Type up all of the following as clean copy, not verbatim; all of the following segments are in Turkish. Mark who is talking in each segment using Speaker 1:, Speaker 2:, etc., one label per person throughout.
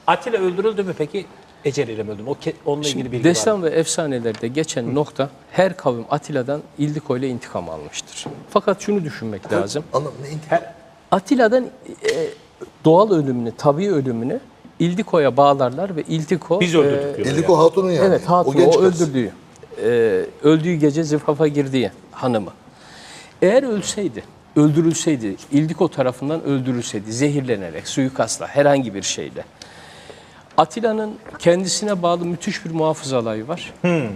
Speaker 1: Atilla öldürüldü mü peki? Eceliyle mi öldü mü? Onunla ilgili bilgi var
Speaker 2: Destan
Speaker 1: mı?
Speaker 2: ve efsanelerde geçen nokta her kavim Atilla'dan İldiko ile intikam almıştır. Fakat şunu düşünmek lazım. Atilla'dan doğal ölümünü, tabii ölümünü İldiko'ya bağlarlar ve İldiko...
Speaker 1: Biz öldürdük diyorlar.
Speaker 3: İldiko Hatun'un yani.
Speaker 2: Evet, Hatun o öldürdüğü, öldüğü gece zırhafa girdiği hanımı. Eğer ölseydi, öldürülseydi, İldiko tarafından öldürülseydi, zehirlenerek, suikastla, herhangi bir şeyle. Atilla'nın kendisine bağlı müthiş bir muhafız alayı var.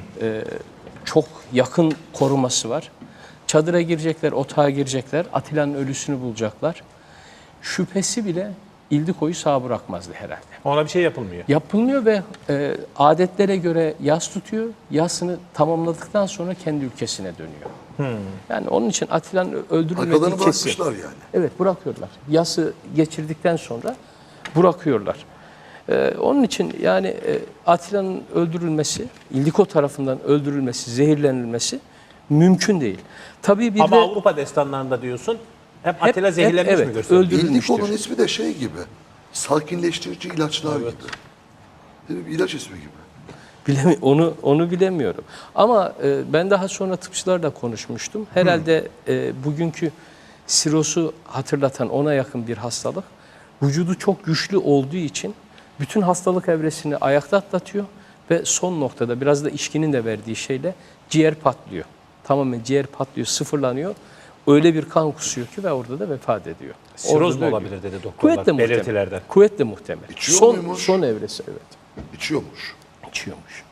Speaker 2: Çok yakın koruması var. Çadıra girecekler, otağa girecekler, Atilla'nın ölüsünü bulacaklar. Şüphesi bile İldiko'yu sağ bırakmazdı herhalde.
Speaker 1: Ona bir şey yapılmıyor.
Speaker 2: Yapılmıyor ve adetlere göre yas tutuyor. Yasını tamamladıktan sonra kendi ülkesine dönüyor. Yani onun için Atilla'nın öldürülmediği
Speaker 3: Arkalarını
Speaker 2: kesin.
Speaker 3: bırakmışlar yani.
Speaker 2: Evet, bırakıyorlar. Yası geçirdikten sonra bırakıyorlar. Onun için yani Atilla'nın öldürülmesi, İldiko tarafından öldürülmesi, zehirlenilmesi mümkün değil. Tabii bir
Speaker 1: Ama
Speaker 2: de
Speaker 1: Avrupa destanlarında diyorsun hep Atilla zehirlenmiş
Speaker 2: evet,
Speaker 1: mi gösteriyor?
Speaker 2: öldürülmüştür.
Speaker 3: İldiko'nun ismi de şey gibi. Sakinleştirici ilaçlar gibi. Değil mi? Bir ilaç ismi gibi.
Speaker 2: Onu bilemiyorum. Ama ben daha sonra tıpçılarla konuşmuştum. Herhalde bugünkü sirosu hatırlatan ona yakın bir hastalık. Vücudu çok güçlü olduğu için bütün hastalık evresini ayakta atlatıyor ve son noktada biraz da içkinin de verdiği şeyle ciğer patlıyor. Tamamen ciğer patlıyor, sıfırlanıyor. Öyle bir kan kusuyor ki ve orada da vefat ediyor.
Speaker 1: Siroz
Speaker 2: Orada
Speaker 1: mu
Speaker 2: da
Speaker 1: olabilir
Speaker 2: ölüyor.
Speaker 1: dedi doktorlar
Speaker 2: Kuvvetle muhtemel.
Speaker 1: belirtilerden.
Speaker 2: Kuvvetle muhtemel.
Speaker 3: İçiyor muymuş?
Speaker 2: Son evresi evet.
Speaker 3: İçiyormuş.
Speaker 2: İçiyormuş.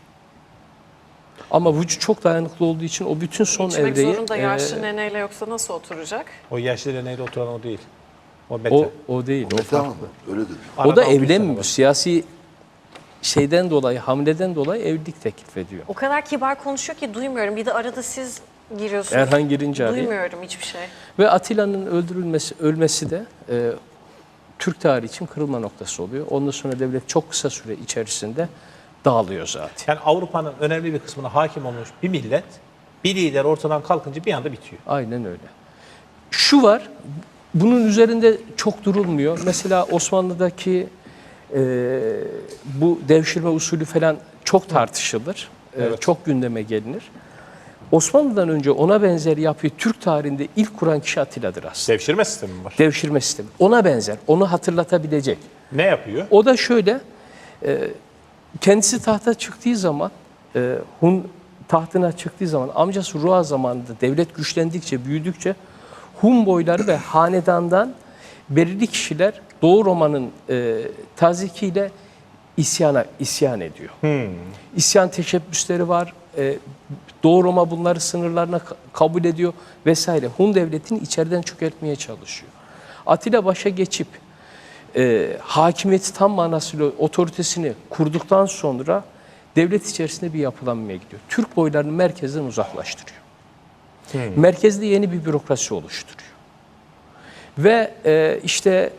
Speaker 2: Ama vücut çok dayanıklı olduğu için o bütün son
Speaker 4: İçmek
Speaker 2: evreyi...
Speaker 4: zorunda yaşlı neneyle, yoksa nasıl oturacak?
Speaker 1: O yaşlı deneyle oturan o değil. O Mete.
Speaker 2: o değil, o
Speaker 3: Tamam
Speaker 2: farklı.
Speaker 3: mı? Öyle dedi.
Speaker 2: O da
Speaker 1: Arada 600 sene
Speaker 2: evlenmiyor.
Speaker 1: var.
Speaker 2: Siyasi şeyden dolayı, hamleden dolayı evlilik teklif ediyor.
Speaker 4: O kadar kibar konuşuyor ki duymuyorum. Bir de arada siz giriyorsunuz.
Speaker 2: Erhan girince araya.
Speaker 4: Duymuyorum hiçbir şey.
Speaker 2: Ve Atilla'nın ölmesi de Türk tarihi için kırılma noktası oluyor. Ondan sonra devlet çok kısa süre içerisinde dağılıyor zaten.
Speaker 1: Yani Avrupa'nın önemli bir kısmına hakim olmuş bir millet, bir lider ortadan kalkınca bir anda bitiyor.
Speaker 2: Aynen öyle. Şu var, bunun üzerinde çok durulmuyor. Mesela Osmanlı'daki bu devşirme usulü falan çok tartışılır. Çok gündeme gelinir. Osmanlı'dan önce ona benzer yapıyı Türk tarihinde ilk kuran kişi Atilla'dır aslında.
Speaker 1: Devşirme sistemi mi var?
Speaker 2: Devşirme sistemi. Ona benzer, onu hatırlatabilecek.
Speaker 1: Ne yapıyor?
Speaker 2: O da şöyle, kendisi tahta çıktığı zaman, Hun tahtına çıktığı zaman, amcası Ruha zamanında devlet güçlendikçe, büyüdükçe Hun boyları ve hanedandan belirli kişiler Doğu Roma'nın tazikiyle isyan ediyor. İsyan teşebbüsleri var. Doğu Roma bunları sınırlarına kabul ediyor vesaire. Hun devletini içeriden çökertmeye çalışıyor. Atilla başa geçip hakimiyeti tam manasıyla otoritesini kurduktan sonra devlet içerisinde bir yapılanmaya gidiyor. Türk boylarını merkezden uzaklaştırıyor. Merkezde yeni bir bürokrasi oluşturuyor. Ve işte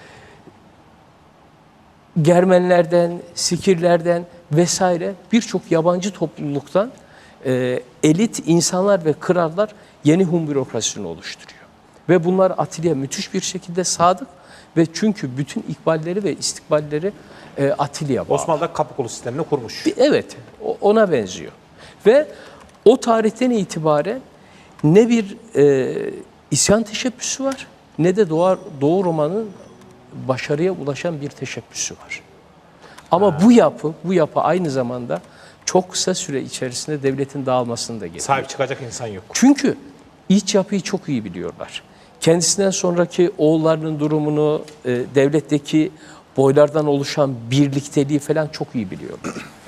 Speaker 2: Germenlerden, Sikirlerden vesaire birçok yabancı topluluktan elit insanlar ve krallar yeni Hun bürokrasisini oluşturuyor. Ve bunlar Atilla'ya müthiş bir şekilde sadık ve çünkü bütün ikballeri ve istikballeri Atilla'ya bağlı.
Speaker 1: Osmanlı'da kapı kolu sistemini kurmuş.
Speaker 2: Evet, ona benziyor. Ve o tarihten itibaren ne bir isyan teşebbüsü var ne de Doğu Roma'nın başarıya ulaşan bir teşebbüsü var. Ama bu yapı aynı zamanda çok kısa süre içerisinde devletin dağılmasını da getiriyor.
Speaker 1: Sahip çıkacak insan yok.
Speaker 2: Çünkü iç yapıyı çok iyi biliyorlar. Kendisinden sonraki oğullarının durumunu, devletteki boylardan oluşan birlikteliği falan çok iyi biliyorlar.